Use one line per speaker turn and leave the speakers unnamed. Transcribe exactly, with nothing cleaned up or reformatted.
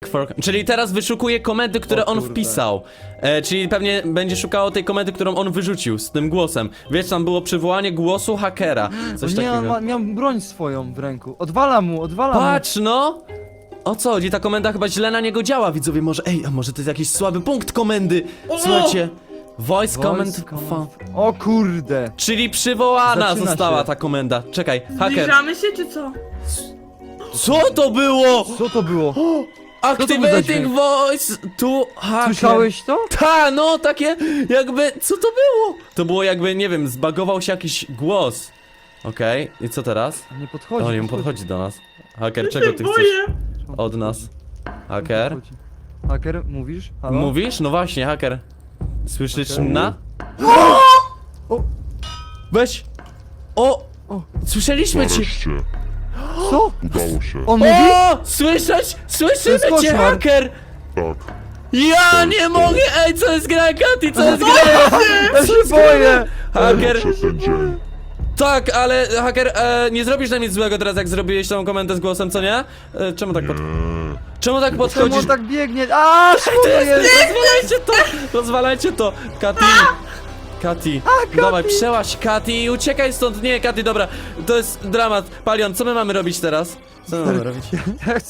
Look for... Czyli teraz wyszukuje komendy, które
O
on
kurde.
wpisał. E, czyli pewnie będzie szukało tej komendy, którą on wyrzucił z tym głosem. Wiesz, tam było przywołanie głosu hakera. Coś
Nie,
takiego.
on ma, miał broń swoją w ręku. Odwala mu, odwala
Patrz no! O co chodzi? Ta komenda chyba źle na niego działa, widzowie. Może, ej, a może to jest jakiś słaby punkt komendy? Słuchajcie. Voice
mu.
comment...
Voice
fa-
command. O kurde.
Czyli przywołana
Zaczyna
została
się.
ta komenda. Czekaj, haker.
Zbliżamy się, czy co?
Co to było?
Co to było? to był za
Activating
dźwięk?
voice to hacker.
Słyszałeś to?
Ta, no takie jakby, co to było? To było jakby, nie wiem, zbagował się jakiś głos. Okej, i co teraz?
Nie podchodzi.
O, nie podchodzi do nas. Haker, czego ty chcesz
Boję.
od nas? Haker?
Podchodzi. Haker, mówisz? Halo?
Mówisz? No właśnie, haker. Słyszysz
Haker?
na?
O!
Weź! O!
O!
Słyszeliśmy cię!
Nareszcie,
Co?
udało się.
On mówi?
O! Słyszeć?
To
Słyszymy
jest
cię,
koszmar.
haker!
Tak,
Ja nie mogę! Ej, co jest gra, Katy? Co jest gra?
Ja się boję!
Haker!
przez ten dzień.
Tak, ale haker, e, nie zrobisz nam nic złego teraz, jak zrobiłeś tą komendę z głosem, co nie? E, czemu tak pod... Czemu tak
Czemu
podchodzisz?
on tak biegnie? A, szkoda jest!
Rozwalajcie to! Rozwalajcie to! Katy! Katy, dawaj, przełaź Katy i uciekaj stąd! Nie, Katy, dobra, to jest dramat. Palion, co my mamy robić teraz? Co my mamy robić?
Ja